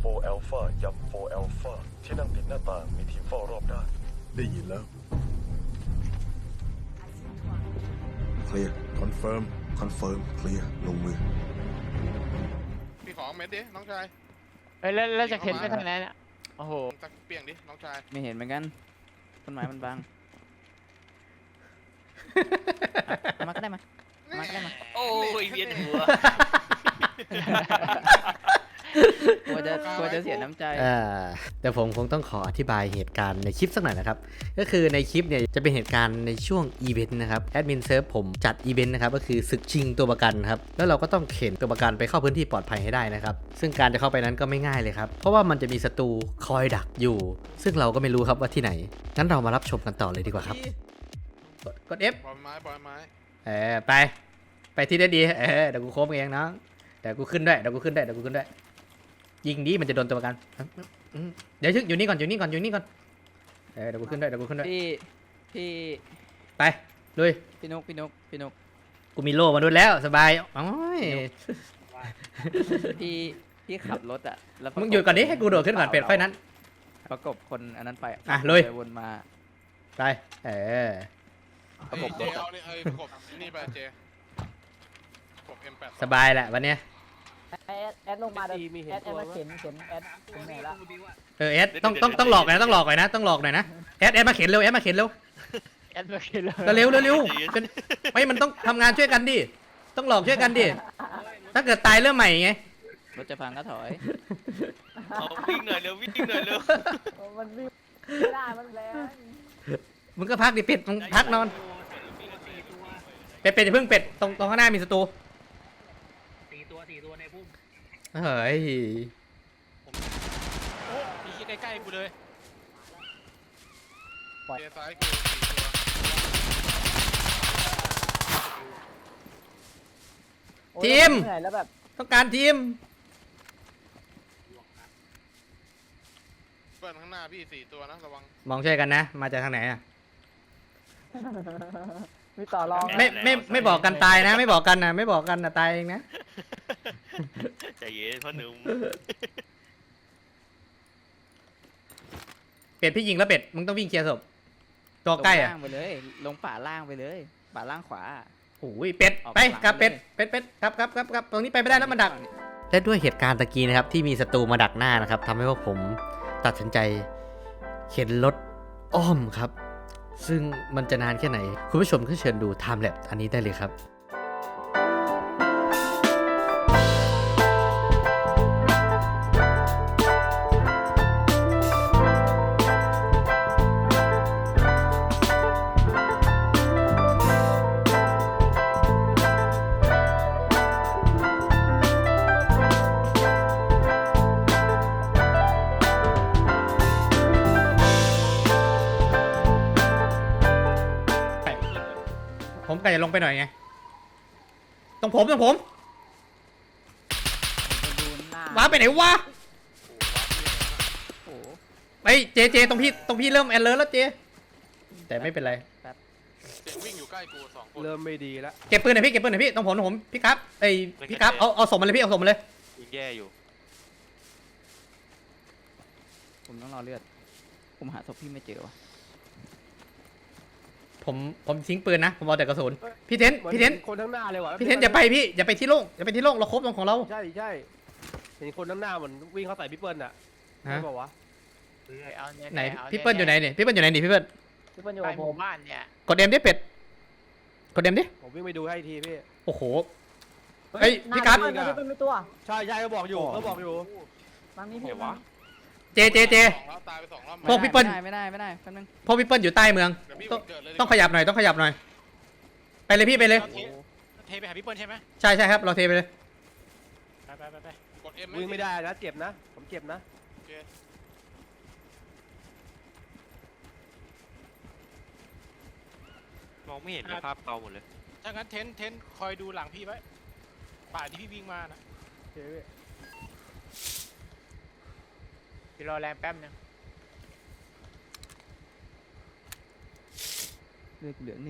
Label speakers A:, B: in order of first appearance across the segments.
A: โฟร์แอลฟาย้ำโฟร์แอลฟาที่นั่งติดหน้าต่างมีทีมเฝ้ารอบด้าน
B: ได้ยินแล้ว
C: เคลียร์คอนเฟิร์มเคลียร์ลงมือ
D: พี่ของเม็ดดิน้องชาย
E: เฮ้ยแล้วจะเข็นไปทางไหนเนี่ยโอ้โห
D: ตักเปียงดิน้องชาย
F: ไม่เห็นเหมือนกันต้นไม้มันบังเอามาก็ได้มาเอามาก็ได้มา
G: โอ้ยเวียนหัว
F: กลัวจะเสียน้ำใจ
H: แต่ผมคงต้องขออธิบายเหตุการณ์ในคลิปสักหน่อยนะครับก็คือในคลิปเนี่ยจะเป็นเหตุการณ์ในช่วงอีเวนต์นะครับแอดมินเซิร์ฟผมจัดอีเวนต์นะครับก็คือศึกชิงตัวประกันครับแล้วเราก็ต้องเข็นตัวประกันไปเข้าพื้นที่ปลอดภัยให้ได้นะครับซึ่งการจะเข้าไปนั้นก็ไม่ง่ายเลยครับเพราะว่ามันจะมีศัตรูคอยดักอยู่ซึ่งเราก็ไม่รู้ครับว่าที่ไหนงั้นเรามารับชมกันต่อเลยดีกว่าครับกด F
D: บอลไม้
H: ไปที่ได้ดีเดี๋ยวกูโค้งเองน้องเดี๋ยวกูขึ้นด้วยยิงดีมันจะโดนตัวประกันเดี๋ยวอยู่นี่ก่อนเดี๋ยวกูขึ้นด้วย
F: พี่
H: ไปลุย
F: พี่นก
H: กูมีโล่มาด้วยแล้วสบายโอ้ย
F: พี่ขับรถอ่ะแล้ว
H: มึงหยุดก่อนดิให้กูโดดขึ้นก่อนเป็ดไฟนั้น
F: ประกบคนอันนั้นไป
H: ลุย
F: วนมา
H: ไป
D: ประกบเจเอาเนี่ยประกบนี่ไปเจประกบ M8
H: สบายแหละวันเนี้ย
E: แอดลงมาแอดมาเข็นแอดถึงไหนละ
H: เอสต้องหลอกหน่อยนะต้องหลอกหน่อยนะเอสมาเข็นเร็ว
E: แอดมาเข็นเลย
H: เร็วเป็นไม่มันต้องทำงานช่วยกันดิต้องหลอกช่วยกันดิถ้าเกิดตายเริ่มใหม่ไง
F: รถจะพังก็ถอย
G: เอาวิ่งหน่อยเร็ว
E: มันวิ่งไม่ได้มันแรง
H: มึงก็พักดิเป็ดมึงพักนอนเป็ดอย่าเพิ่งเป็ดตรงข้างหน้ามีศัตรู4 ตัวในพุ่มเฮ้ย
G: มีใกล้ๆกูเลย
D: เจซ้ายกู4 ตัว
H: ทีม
E: เหนื่อยแล้วแบบ
H: ต้องการทีม
D: เพื่อนข้างหน้าพี่4 ตัวนะระวัง
H: มองช่วยกันนะมาจากทางไหนอ่ะ
E: มีต่อรอง
H: ไม่บอกกันตายนะไม่บอกกันนะตายเองนะ
G: ใจเย็นพ่อหนุ่ม
H: เป็ดพี่ยิงแล้วเป็ดมึงต้องวิ่งเคลียร์ศพตัวใกล้อ่ะ
F: ลงล่างไปเลยลงป่าล่างไปเลยป่าล่างขวา
H: โอ้ยเป็ดไปกับเป็ดครับตรงนี้ไปไม่ได้แล้วมันดักและด้วยเหตุการณ์ตะกี้นะครับที่มีศัตรูมาดักหน้านะครับทำให้พวกผมตัดสินใจเข็นรถอ้อมครับซึ่งมันจะนานแค่ไหนคุณผู้ชมก็เชิญดู Time Lapse อันนี้ได้เลยครับผมก็จะลงไปหน่อยไงตรงผมว้าไปไหนวะ
F: โอ้โห
H: ไปเจตรงพี่เริ่มแอนเลอร์แล้วเจแต่ไม่เป็นไร
D: เจวิ่งอยู่ใกล้กู2 คน
B: เริ่มไม่ดีแล้ว
H: เก็บปืนหน่อยพี่ตรงผมพี่ครับพี่ครับเอาส่งมาเลยพี่เอาส่งมาเลย
G: ยิงแย่อยู่
F: ผมต้องรอเลือดผมหาศพพี่ไม่เจอวะ
H: ผมทิ้งปืนนะผมเอาแต่กระสุนพี่เทน
B: คนทั้งหน้าเลยว่ะ
H: พี่เทนอย่าไปที่โล่งเราครบตรงของเรา
B: ใช่เห็นคนทั้งหน้าเหมือนวิ่งเข้าใส่พี่เปิ้ลน่ะใช่ป่าวะ
H: ไหนพี่เปิ้ลอยู่ไหนนี่พี่เปิ้ลอยู่อยู่กับผม
E: บ้านเนี่ย
H: กดเดมดิเป็ดกดเดมดิ
B: ผมวิ่งไปดูให้ทีพี่
H: โอ้โหเฮ้ยพี่กั๊บ
E: มันเป็นตัว
B: ใช่ก็บอกอยู่
E: บางนี้พี่
H: เจ
D: แล้วตายไป2 รอบ
H: พวกพี่เปิ้ล
F: ไม่ได้แป๊บนึง
H: พวกพี่เปิ้ลอยู่ใต้เมือง
D: เดี๋ยวพี่เกิดเลย
H: ต้องขยับหน่อยไปเลยพี่ไปเลย
G: เทไปหาพี่เปิ้ลใช่ไหม
H: ใช่ครับเราเทไปเลย
G: ไป
D: กด M
B: วิ่งไม่ได้นะเจ็บนะผมเจ็บนะ
G: มองไม่เห็นภาพเก่าหมดเลย
I: ถ้างั้นเทนคอยดูหลังพี่ไว้ป่าที่พี่วิ่งมานะ
E: พี่รอแรงแป๊บนึง
F: เลือดเหลือ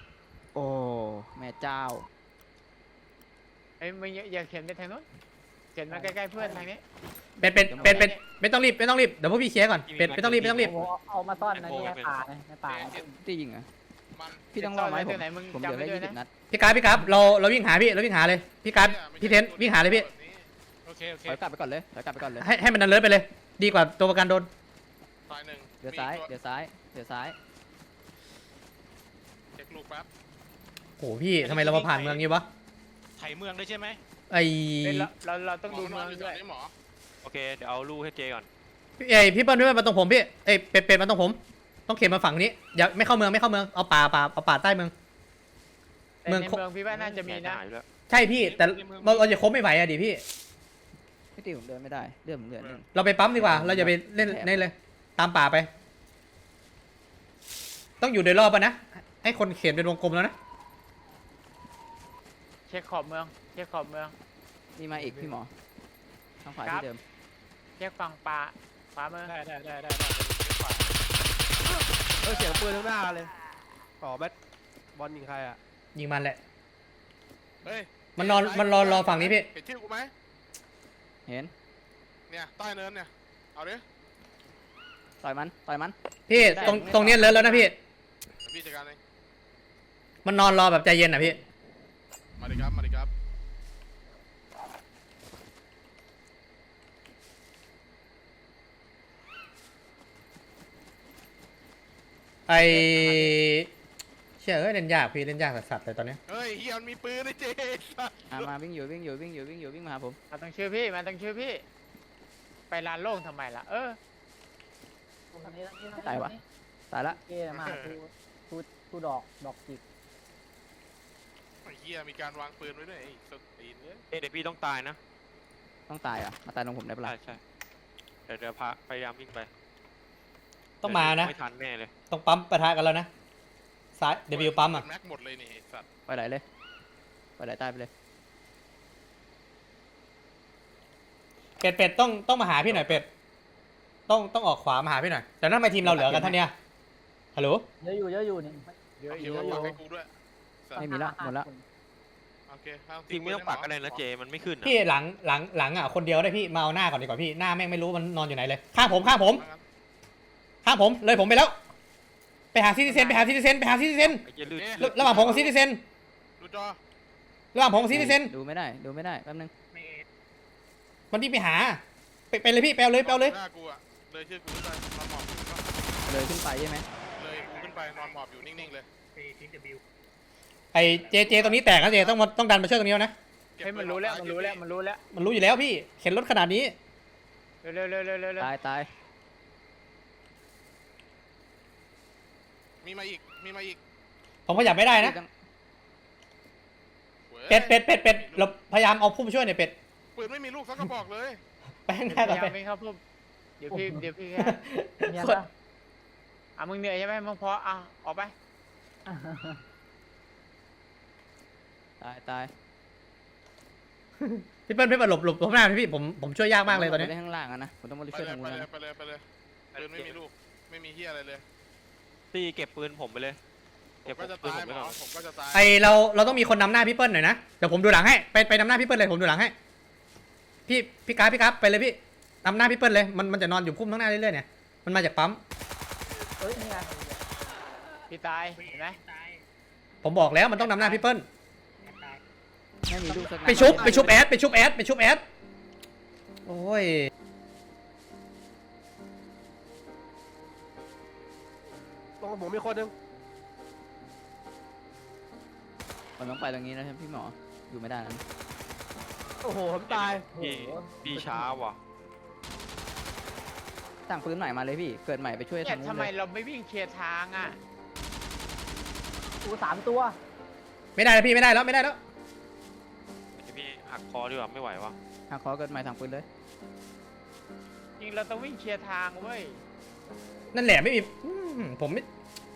F: 1โอ้แม่เจ้า
E: มึงอย่าเข็นไปทางนู้น
I: เข็นมาใกล้ๆเพื่อนทางนี้
H: เป็ดไม่ต้องรีบเดี๋ยวพวกพี่เคลียร์ก่อนเป็ดไม่ต้องรีบ
E: เอามาซ่อนในนี่ในป่าในป่า
F: ตียิงเหรอ
D: มัน
F: พี่ต้องรอไหมผม
I: ไหนมึง
F: ผมเหลือ
I: จำไว้
F: แค่
I: ด้วย
F: 20
I: นะ
F: นัด
H: พี่กราฟเราวิ่งหาเลยพี่กราฟพี่เทนวิ่งหาเลยพี่
I: โอเคโอเค
F: ถอยกลับไปก่อนเลยถอยกลับไปก่อนเลย
H: ให้มันดันเลิศไปเลย ดีกว่าตัวประกันโดน
D: ตายหนึ่ง
F: เดี๋ยวซ้ายเดี๋ยวซ้ายเดี๋ยวซ้าย
D: เช็คลูกแป๊บ
H: โอ้พี่ทำไมเรามาผ่านเมืองนี้วะ
G: ไถเมืองได้ใช่ไหม
H: ไอ
I: เราต้องดูเมือง
D: อยู่
I: ด้วย
D: นี่หมอ
G: โอเคเดี๋ยวเอาลูกให้เจก่อน
H: พี่เปิ้ลมาตรงผมพี่เป็ดมาตรงผม ต้องเข็นมาฝั่งนี้อย่าไม่เข้าเมืองเอาป่าใต้เมือง
I: ในเมืองพี่ว่าน่าจะมีนะ
G: หายไปแล้ว
H: ใช่พี่แต่เราจะคบไม่ไหวอะดิพี่
F: ไม่ตีผมเดินไม่ได้เลือดผมเหลือหนึ่ง
H: เราไปปั๊มดีกว่า เราอย่าไปเล่นนี่เลย ตามป่าไป ต้องอยู่โดยรอบปะนะ ให้คนเขียนเป็นวงกลมแล้วนะ
I: เช็คขอบเมืองเช็คขอบเมือง
F: มีมาอีกพี่หมอทางขวา
I: ครับ
F: ที่เดิม
I: เช็คฝั่งป่าขวามือ
G: ได้
B: เสียงปืนข้างหน้าเลยอ๋อแบทบอลยิงใครอ่ะ
H: ยิงมันแหละ
D: เฮ้ย
H: มันรอฝั่งนี้พี่
D: เห็นชื่อกูไหม
F: เห็น
D: เนี่ยใต้เนินเนี่ยเอาดิ
F: ต่อยมัน
H: พี่ตรงเนี้ยเลิศแล้วนะพี่
D: เดี๋ยวพี่จัดการเอง
H: มันนอนรอแบบใจเย็นอ่ะพี่
D: มาดิครับ
H: ไอเชื่อเล่นยากพี่เล่นยากสัสๆเลยตอนเนี้ย
D: เฮ้ยเฮียมันมีปืนไอ้เจ๊สัส
F: มาวิ่งอยู่วิ่งมาหาผม
I: มาต้องชื่อพี่มาต้องชื่อพี่ ไปลานโล่งทำไมล่ะ
F: ตายวะตายละ
E: เกย์มาทูดอกจิก
D: ไอ้เฮียมีการวางปืนไว้ด้วยไอ้สตีนเนี่ย
G: เดี๋ยวพี่ต้องตายนะ
F: ต้องตายอ่ะมาตายตรงผมได้ปะล่ะ
G: ใช่เดี๋ยวพยายามวิ่งไป
H: ต้องมานะ
G: ไม่ทันแน่เลย
H: ต้องปั๊มปะทะกันแล้วนะซ้ายเดบิวปั๊มอ่ะ
D: แม็กหมดเลยนี่ไอ้สัส
F: ไปไหนเลยไปไหนตายไปเลย
H: เป็ดต้องมาหาพี่หน่อยเป็ดต้องออกขวามาหาพี่หน่อยแต่นั่นทำไมทีมเราเหลือกันเท่านี้ฮัลโหล
E: เยอะอยู่นี่
I: เยอะ
D: เดี๋ยวปักให้กูด้วยสัส
F: ไม่มีละหมดละ
D: โอเคเอา
G: จริงไม่ต้องปักก็ได้นะเจมันไม่ขึ้นอะ
H: พี่หลังอ่ะคนเดียวได้พี่มาเอาหน้าก่อนดีกว่าพี่หน้าแม่งไม่รู้มันนอนอยู่ไหนเลยข้างผมเลยผมไปแล้วไปหาซิติเซน
G: ไอ้เจลื่น
H: ระหว่างผมกับซิติเซน
D: ดูจอ
H: ระหว่างผมกับซิติเซน
F: ดูไม่ได้แป๊บนึง
H: มันที่ไปหาไปเลยพี่ไปเอาเลย
D: หน้ากูอะเลยชื่อกูขึ้นไปนอนหมอบอยู่
F: เลยขึ้นไปใช่ไหม
D: เลยกูขึ้นไปนอนหมอบอยู่นิ่งๆเลย
H: ไอเจตรงนี้แตกนะเจต้องดันมาช่วยตรงนี้นะ
I: เฮ้ยมันรู้แล้วมันรู้แล้วมันรู้แล้ว
H: มันรู้อยู่แล้วพี่เข็นรถขนาดนี้
I: เร็ว
F: ตาย
D: มีมาอีก
H: ผมขยับไม่ได้นะ
D: ว้ย
H: เป็ดเราพยายามเอาพุ่มช่วยหน่อยเป็ด
D: ปืนไม่มีลูกสักกระบอกเลย
H: ไปข้างห
I: พ
H: น้าก่อน
I: ยายา
H: ไป
I: มไม่เข้าพุ่มเดี๋ยวพี่แค่
E: เนี่ยปะ
I: มึงเหนื่อยใช่ไหมมึงพอออกไป
F: ตาย
H: พี่เปิ้ลหลบข้างหน้าพี่ผมช่วยยากมากเลยตอนนี้
F: ได้ข้างล่างอะนะผมต้องมาช่วยทางนู้นนะ
D: ไปเลยปืนไม่มีลูกไม่มีเฮียอะไรเลย
G: ตีเก็บปืนผมไปเลย
D: ผมก็จะตายหมอผมก็จะตาย
H: ไอเราต้องมีคนนำหน้าพี่เปิ้ลหน่อยนะเดี๋ยวผมดูหลังให้ไปนำหน้าพี่เปิ้ลเลยผมดูหลังให้พี่กราฟไปเลยพี่นำหน้าพี่เปิ้ลเลยมันจะนอนอยู่พุ่มข้างหน้าเรื่อยๆเนี่ยมันมาจากปั๊ม
E: เฮ้ยนี่ไง
I: พี่ตายเห็นไหม
H: ผมบอกแล้วมันต้องนำหน้าพี่เปิ้ล
F: ไม่มีลูกสักนัด
H: ไปชุบแอดโอ้ย
B: ตรงผมมีคนนึง
F: ผมต้องไปตรงนี้นะครับพี่หมออยู่ไม่ได้นะ
B: โอ้โหผมตาย
G: พี่ช้าว่ะ
F: สั่งปืนใหม่มาเลยพี่เกิดใหม่ไปช่วย
I: เนี่ย
F: ทางนู้น
I: ทำไม
F: เลย
I: เราไม่วิ่งเคลียร์ทางอ่ะ
E: กู3 ตัว
H: ไม่ได้แล้วพี่ไม่ได้แล้ว
G: เดี๋ยวพี่หักคอดีกว่าไม่ไหววะ
F: หาขอเกิดใหม่สั่งปืนเลย
I: จริงเราต้องวิ่งเคลียร์ทางเว้ย
H: นั่นแหละไม่มีผมไม่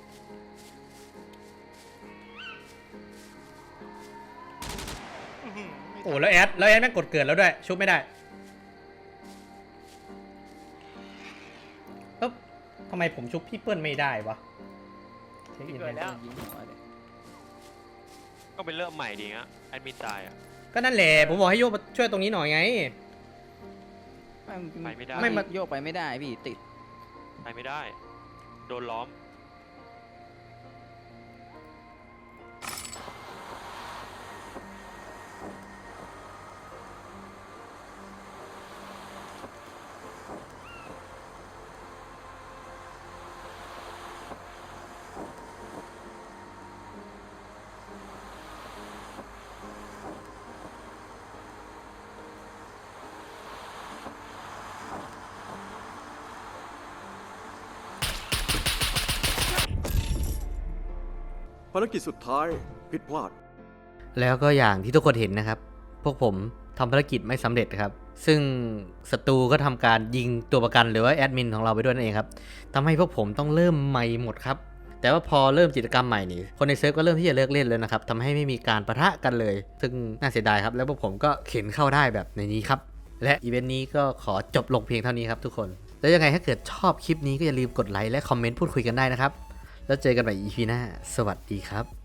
H: โอ้แล้วแอดแม่งกดเกิดแล้วด้วยชุบไม่ได้เอ๊บทำไมผมชุบพี่เปิ้ลไม่ได้วะเช็คอิน
I: เกิดแล้ว
F: ยิงหัวเลย
G: ก็เป็นเริ่มใหม่ดีฮะแอดมินตายอ่ะ
H: ก็นั่นแหละผมบอกให้โยกมาช่วยตรงนี้หน่อยไง
G: ไปไม่ได้
F: ไม่มาโยกไปไม่ได้พี่ติด
G: ไปไม่ได้ โดนล้อม
C: ภารกิจสุดท้ายผิดพลาด
H: แล้วก็อย่างที่ทุกคนเห็นนะครับ พวกผมทำภารกิจไม่สำเร็จครับ ซึ่งศัตรูก็ทำการยิงตัวประกันหรือว่าแอดมินของเราไปด้วยนั่นเองครับทำให้พวกผมต้องเริ่มใหม่หมดครับ แต่ว่าพอเริ่มกิจกรรมใหม่นี่คนในเซิร์ฟก็เริ่มที่จะเลิกเล่นแล้วนะครับทำให้ไม่มีการปะทะกันเลย ซึ่งน่าเสียดายครับ แล้วพวกผมก็เข็นเข้าได้แบบในนี้ครับ และอีเวนต์นี้ก็ขอจบลงเพียงเท่านี้ครับทุกคน แล้วยังไงถ้าเกิดชอบคลิปนี้ก็อย่าลืมกดไลค์และคอมเมนต์พูดคุยกันได้นะครับแล้วเจอกันใหม่ EP หน้าสวัสดีครับ